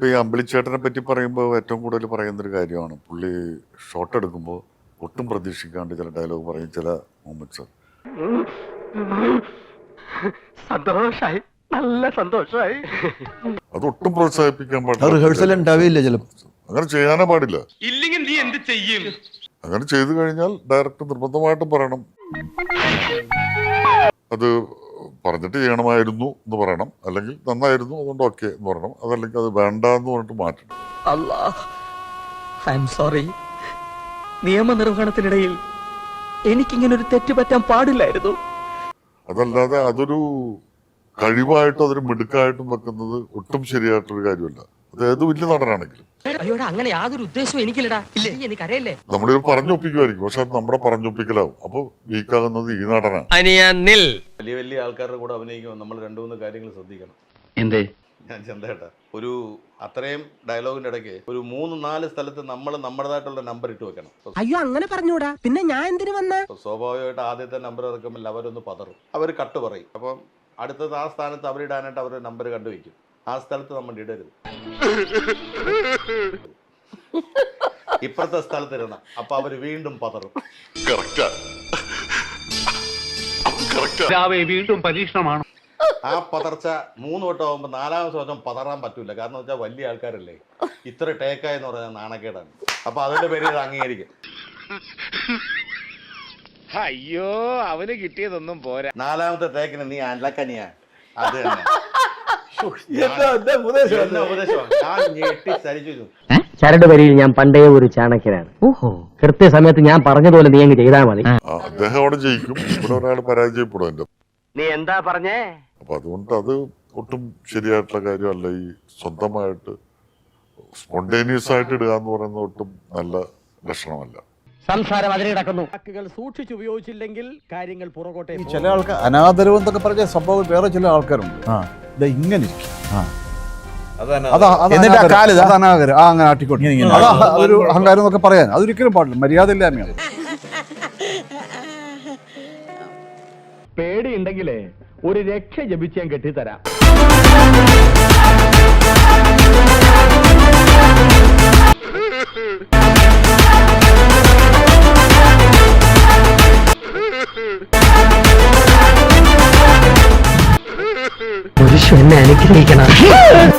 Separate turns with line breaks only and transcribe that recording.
ഈ അമ്പിളിച്ചേട്ടനെ പറ്റി പറയുമ്പോൾ ഏറ്റവും കൂടുതൽ പറയുന്നൊരു കാര്യമാണ് പുള്ളി ഷോട്ട് എടുക്കുമ്പോൾ ഒട്ടും പ്രതീക്ഷിക്കാണ്ട് ചില ഡയലോഗ് പറയും, ചില മൊമെന്റ്സ്.
സന്തോഷായി, നല്ല സന്തോഷായി.
അതൊട്ടും പ്രോത്സാഹിപ്പിക്കാൻ
റിഹേഴ്സൽ ഉണ്ടാവില്ല ചിലപ്പോൾ.
അങ്ങനെ ചെയ്യാനേ പാടില്ല.
ഇല്ലെങ്കിൽ നീ എന്ത് ചെയ്യും?
അങ്ങനെ ചെയ്തു കഴിഞ്ഞാൽ ഡയറക്ടർ നിർബന്ധമായിട്ടും പറയണം, അത് പറഞ്ഞിട്ട് ചെയ്യണമായിരുന്നു എന്ന് പറയണം, അല്ലെങ്കിൽ നന്നായിരുന്നു അതുകൊണ്ട് ഓക്കെ എന്ന് പറയണം, അതല്ലെങ്കിൽ അത് വേണ്ട എന്ന് പറഞ്ഞിട്ട് മാറ്റണം.
സോറി, നിയമനിർവഹണത്തിനിടയിൽ എനിക്കിങ്ങനെ ഒരു തെറ്റ് പറ്റാൻ പാടില്ലായിരുന്നു.
അതല്ലാതെ അതൊരു കഴിവായിട്ടും അതൊരു മിടുക്കായിട്ടും വെക്കുന്നത് ഒട്ടും ശരിയായിട്ടൊരു കാര്യമല്ല. അത് ഏത് വലിയ നടനാണെങ്കിലും
അങ്ങനെ യാതൊരു ഉദ്ദേശവും എനിക്കില്ലടാ. എനിക്കറിയില്ലേ,
നമ്മളിത് പറഞ്ഞൊപ്പിക്കുമായിരിക്കും, പക്ഷെ അത് നമ്മുടെ പറഞ്ഞൊപ്പിക്കലാവും. അപ്പൊ വീക്കാകുന്നത് ഈ നടനാണ്.
വലിയ വലിയ ആൾക്കാരുടെ കൂടെ അഭിനയിക്കുമ്പോൾ നമ്മൾ 2-3 കാര്യങ്ങൾ ശ്രദ്ധിക്കണം.
എന്തേ?
ഞാൻ ചന്തേട്ടാ, ഒരു അത്രയും ഡയലോഗിന്റെ ഇടയ്ക്ക് ഒരു 3-4 സ്ഥലത്ത് നമ്മൾ നമ്മുടേതായിട്ടുള്ള നമ്പർ ഇട്ട് വെക്കണം.
അയ്യോ അങ്ങനെ പറഞ്ഞൂടാ, പിന്നെ ഞാൻ എന്തിനു വന്ന?
സ്വാഭാവികമായിട്ട് ആദ്യത്തെ നമ്പർ ഇറക്കുമ്പോൾ അവരൊന്ന് പതറും, അവർ കട്ട് പറയും. അപ്പം അടുത്തത് ആ സ്ഥാനത്ത് അവരിടാനായിട്ട് അവർ നമ്പർ കണ്ടുവയ്ക്കും. ആ സ്ഥലത്ത് നമ്മൾ ഇടരുത്, ഇപ്പുറത്തെ സ്ഥലത്ത് ഇടണം. അപ്പൊ അവര് വീണ്ടും പതറും.
വീണ്ടും പരീക്ഷണമാണ്.
ആ പതർച്ച 3 വട്ടം ആകുമ്പോൾ 4ാമത്തെ വട്ടം പതറാൻ പറ്റൂല. കാരണം വെച്ചാൽ വലിയ ആൾക്കാരല്ലേ, ഇത്ര ടേക്കായെന്ന് പറഞ്ഞാൽ നാണക്കേടാണ്. അപ്പൊ അതിന്റെ പേര് ഇത് അംഗീകരിക്കും.
അയ്യോ, അവന് കിട്ടിയതൊന്നും പോരാ.
4ാമത്തെ ടേക്കിന് നീ അലക്കനിയാ. അത് തന്നെ
ചരട് വരിയിൽ ഞാൻ പണ്ടേ ഒരു ചാണക്യനാണ്. കൃത്യസമയത്ത് ഞാൻ പറഞ്ഞതുപോലെ നീ അങ്ങ് ചെയ്താൽ മതി.
അദ്ദേഹം അവിടെ ജയിക്കും, ഇവിടെ ഒരാൾ പരാജയപ്പെടും. എന്റെ
നീ എന്താ പറഞ്ഞേ?
അപ്പൊ അതുകൊണ്ട് അത് ഒട്ടും ശരിയായിട്ടുള്ള കാര്യമല്ല. ഈ സ്വന്തമായിട്ട് സ്പോണ്ടേനിയസ് ആയിട്ട് ഇടുക എന്ന് പറയുന്നത് ഒട്ടും നല്ല ലക്ഷണമല്ല.
സംസാരം അതിൽ കിടക്കുന്നു.
വാക്കുകൾ സൂക്ഷിച്ചുപയോഗിച്ചില്ലെങ്കിൽ കാര്യങ്ങൾ പുറകോട്ടെ.
ചില ആൾക്കാർ അനാദരവ് എന്നൊക്കെ പറഞ്ഞ സംഭവം വേറെ ചില ആൾക്കാരുണ്ട്. ഇങ്ങനെ ഇരിക്കും, അങ്ങനെ ആട്ടിക്കോട്ടെ, അതൊരു അഹങ്കാരം എന്നൊക്കെ പറയാൻ അതൊരിക്കലും പാടില്ല, മര്യാദ ഇല്ലായ്മയാണ്.
പേടിയുണ്ടെങ്കിലേ ഒരു രക്ഷ ജപിച്ച് ഞാൻ കെട്ടിത്തരാം.
പുരുഷൻ എന്നെ അനുഗ്രഹിക്കണം.